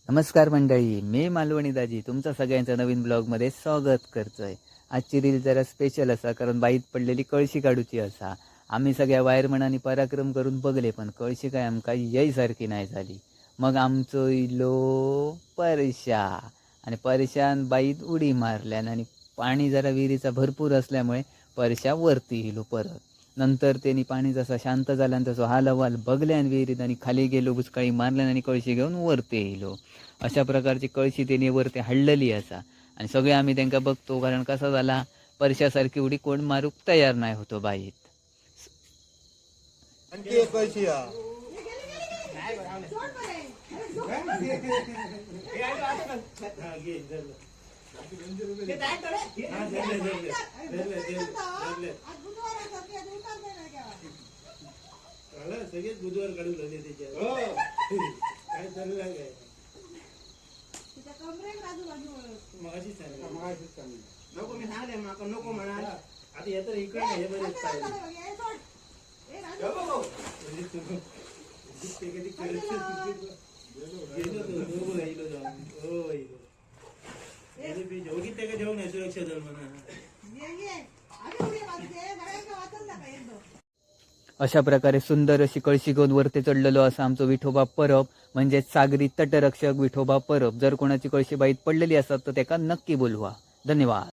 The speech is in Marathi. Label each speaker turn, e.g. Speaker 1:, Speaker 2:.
Speaker 1: नमस्कार मंडळी, मी मालवणी दाजी तुमचं सगळ्यांचं नवीन ब्लॉगमध्ये स्वागत करतोय. आजची रील जरा स्पेशल असा कारण बाईत पडलेली कळशी काढूची असा. आम्ही सगळ्या वायरमनांनी पराक्रम करून बघले पण कळशी काय आमका सारखी नाही झाली. मग आमचो इलो परशा आणि परशान बाईत उडी मारल्यान आणि पाणी जरा विहिरीचा भरपूर असल्यामुळे परशा वरती इलो परत. नंतर त्यांनी पाणी जसा शांत झाल्यान तसं हाल हवाल बघल्यान विहिरीत आणि खाली गेलो, बुचकाळी मारल्यान आणि कळशी घेऊन वरती येयलो. अशा प्रकारची कळशी त्यांनी वरती हाडलेली असा आणि सगळे आम्ही त्यांना बघतो कारण कसा झाला परशासारखी उडी कोण मारूक तयार नाही होतो बाईत.
Speaker 2: आणखी एक कळशी हा. सगळेच बुधवार काढून झाले त्याच्या काय चालू आहे नको मी सांगले माका नको म्हणा आता येत इकडे हे बरेच जेवण आहे सुरक्षा दल म्हणा.
Speaker 1: अशा प्रकारे सुंदर अशी कळशी घेऊन वरती चढलेलो असा आमचो विठोबा परब म्हणजे सागरी तटरक्षक विठोबा परब. जर कोणाची कळशी बाईत पडलेली असतात तर त्याला नक्की बोलवा. धन्यवाद.